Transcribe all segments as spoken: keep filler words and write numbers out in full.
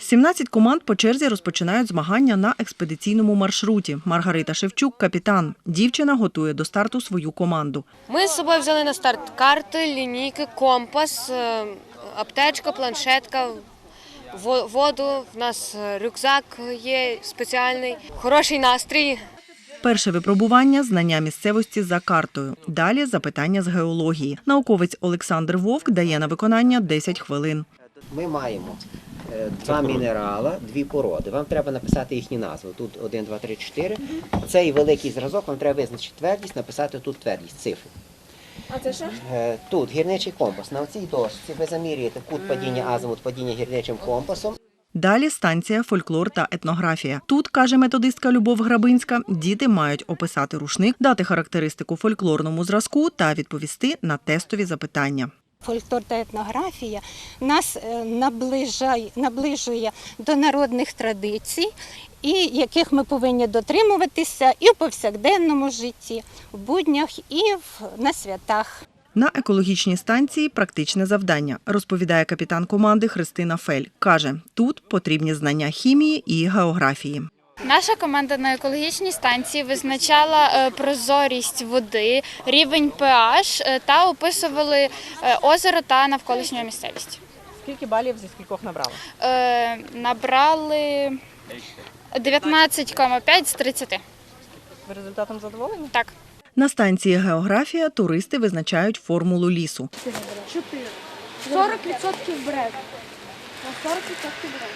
сімнадцять команд по черзі розпочинають змагання на експедиційному маршруті. Маргарита Шевчук – капітан. Дівчина готує до старту свою команду. Ми з собою взяли на старт карти, лінійки, компас, аптечка, планшетка, воду, в нас рюкзак є спеціальний, хороший настрій. Перше випробування – знання місцевості за картою. Далі – запитання з геології. Науковець Олександр Вовк дає на виконання десять хвилин. Ми маємо два мінерала, дві породи. Вам треба написати їхні назви. Тут один, два, три, чотири. Цей великий зразок, вам треба визначити твердість, написати тут твердість, цифру. А це що? Тут гірничий компас. На цій дошці ви замірюєте кут падіння, азимут падіння гірничим компасом. Далі станція «Фольклор та етнографія». Тут, каже методистка Любов Грабинська, діти мають описати рушник, дати характеристику фольклорному зразку та відповісти на тестові запитання. Фольклор та етнографія нас наближає, наближує до народних традицій, і яких ми повинні дотримуватися і в повсякденному житті, в буднях, і на святах. На екологічній станції практичне завдання, розповідає капітан команди Христина Фель. Каже, тут потрібні знання хімії і географії. Наша команда на екологічній станції визначала прозорість води, рівень pH та описували озеро та навколишню місцевість. Скільки балів зі скількох набрали? Е, набрали дев'ятнадцять цілих п'ять з тридцяти. Ви результатом задоволені? Так. На станції географія туристи визначають формулу лісу. чотири. сорок відсотків бред. сорок відсотків бред.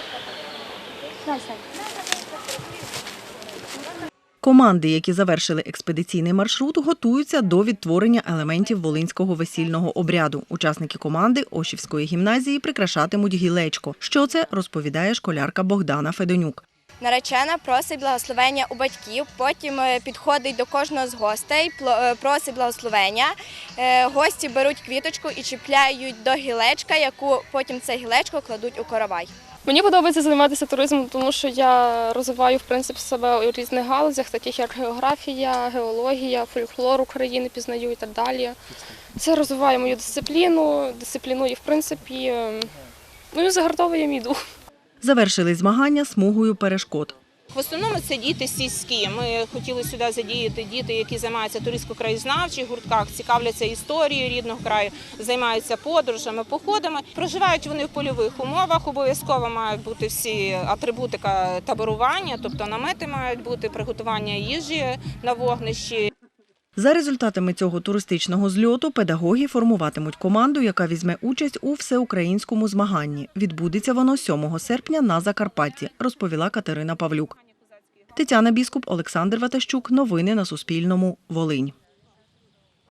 Команди, які завершили експедиційний маршрут, готуються до відтворення елементів волинського весільного обряду. Учасники команди Ошівської гімназії прикрашатимуть гілечко. Що це, розповідає школярка Богдана Федонюк. Наречена просить благословення у батьків, потім підходить до кожного з гостей, просить благословення. Гості беруть квіточку і чіпляють до гілечка, яку потім це гілечко кладуть у коровай. Мені подобається займатися туризмом, тому що я розвиваю в принципі себе у різних галузях, таких як географія, геологія, фольклор України пізнаю і так далі. Це розвиває мою дисципліну, дисциплінує в принципі, ну і загартовує мій дух. Завершили змагання смугою перешкод. В основному це діти сільські. Ми хотіли сюди задіяти діти, які займаються туристсько-краєзнавчих гуртках, цікавляться історією рідного краю, займаються подорожами, походами. Проживають вони в польових умовах, обов'язково мають бути всі атрибутика таборування, тобто намети мають бути, приготування їжі на вогнищі. За результатами цього туристичного зльоту педагоги формуватимуть команду, яка візьме участь у всеукраїнському змаганні. Відбудеться воно сьомого серпня на Закарпатті, розповіла Катерина Павлюк. Тетяна Біскуп, Олександр Ватащук. Новини на Суспільному. Волинь.